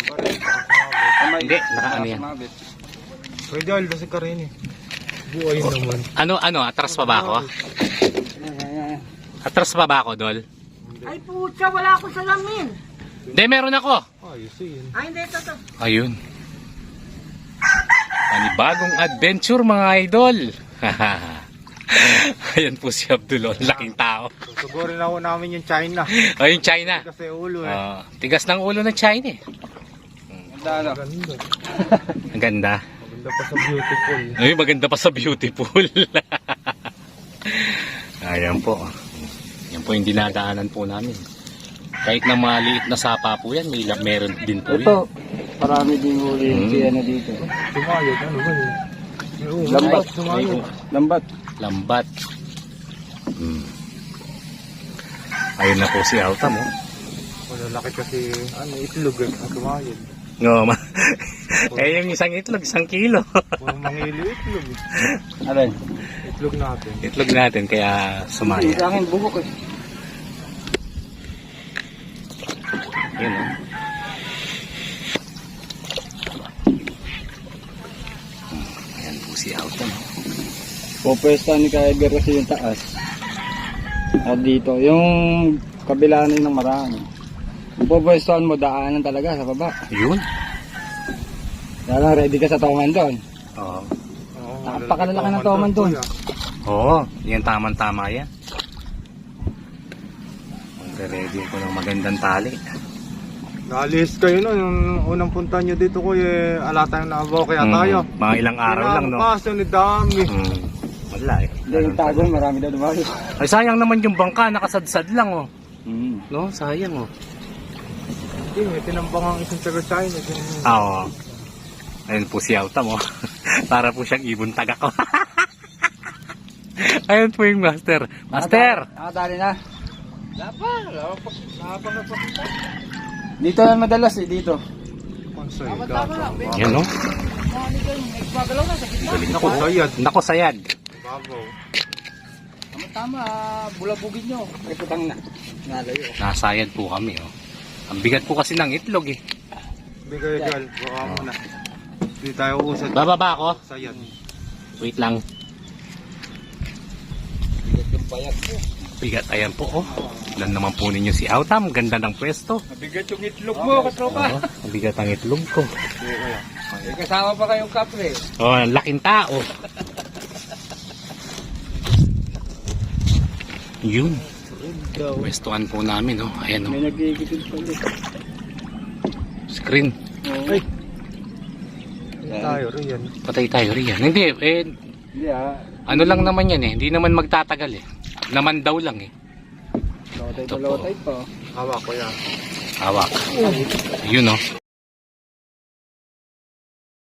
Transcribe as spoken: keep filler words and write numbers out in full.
Hindi, nakaano yan. Pwede alda si Karin eh. Buhay naman. Ano, ano, atras pa ba ako? Atras pa ba ako, Dol? Ay putya, wala akong salamin. Hindi, meron ako. Ayos yun. Ay hindi, ito to. Ayun. Panibagong adventure mga idol. Ayan po si Abdul, ang laking tao. Susugurin ako namin yung China. Ayun, China. Kasi ulo eh. Ah, tigas ng ulo ng China eh. Ganda ano? Ganda. Ang ganda. Maganda pa sa beautiful. Ay, maganda pa sa beautiful. Ayan po. Yan po yung dinadaanan po namin. Kahit na maliit na sapa po yan, may meron din po Ito, yan. marami din huli yung Hmm. siya na dito. Sumayod, ano ba yun? Oo, Lambat. Sumayod. Lambat. Lambat. Hmm. Ayun na po si Autam, oh. Malalaki kasi, ano, itlog eh. Ang sumayod. No, ma. Eh, yung isang itlog, isang kilo. Puro mangili itlog eh. Alay. Itlog natin. Itlog natin, kaya sumaya. Sa akin, bugok eh. Yun, oh. Hmm. Ayan po si Autam, oh. Pupwesta ni Kaya Edgar kasi yung taas. At dito, yung kabila na yun ng marami. Kung pupwestuhan mo, daanan talaga sa baba. Yun. Kaya lang, ready ka sa toman doon. Oo. Oo, Napakalalaki ng toman doon. kuya. Oo, yan tamang-tama yan. Magre-ready ko ng magandang tali. Naalis kayo no, yung unang punta nyo dito ko eh, ala tayong naabaw kaya Mm, tayo. mga ilang araw lang, no? Kaso ni dami. Hmm. Wala eh. Hindi, yung tagon, marami daw dumayo. Ay, sayang naman yung bangka, nakasadsad lang, oh. Hmm. No, sayang, oh. Hindi, may tinambang ang isang taga China. Yung- Ah, oo. Ayun po si Autam, oh. Para po siyang ibon tagak, oh. Ayun po yung master. Master! Nakadali na. Lapa, lapa, lapa na pa. Dito na madalas eh, dito. Konsoy, Yan, no? Naku, sayad. Nako, sayad. Babaw. Tama-tama, bulabugin nyo. May putang na. Nalayo. Nasayad po kami, oh. Ang bigat po kasi ng itlog, eh. Bigay gal, baka mo na. Hindi tayo usad. Bababa ako? Sayad. Wait lang. Bigat, ayan po, oh. Ilan naman po ninyo si Autam. Ganda ng pwesto. Mabigat yung itlog mo, katropa. Oo, ang bigat ang itlog ko. May kasama pa kayong kapre. Oh, ang laking tao. Yun. Pwestuhan po namin, oh. Ayan, oh. May nagigitid pa ulit. Screen. Ay. Tayo rin yan. Patay tayo riyan. Hindi, eh, Hindi ah. ano lang naman yan, eh. Hindi naman magtatagal, eh. Naman daw lang, eh. Lotay Ito pa po. lotay pa. Hawak ko yan. Hawak. Yun, oh.